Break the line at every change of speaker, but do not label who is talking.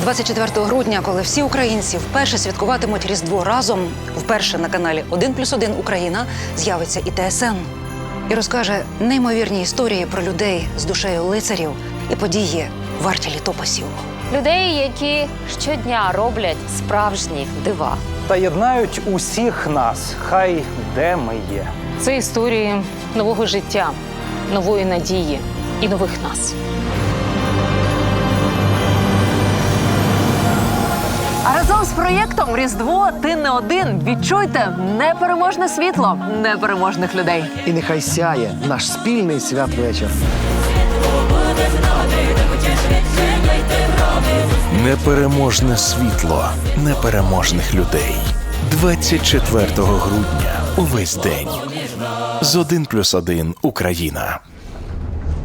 24 грудня, коли всі українці вперше святкуватимуть Різдво разом, вперше на каналі «1+1 Україна» з'явиться і ТСН. І розкаже неймовірні історії про людей з душею лицарів і події варті літописів.
Людей, які щодня роблять справжні дива.
Та єднають усіх нас, хай де ми є.
Це історії нового життя, нової надії і нових нас.
А разом з проєктом «Різдво. Ти не один» відчуйте непереможне світло непереможних людей.
І нехай сяє наш спільний святвечір.
Непереможне світло непереможних людей. 24 грудня. Увесь день. З 1+1 Україна.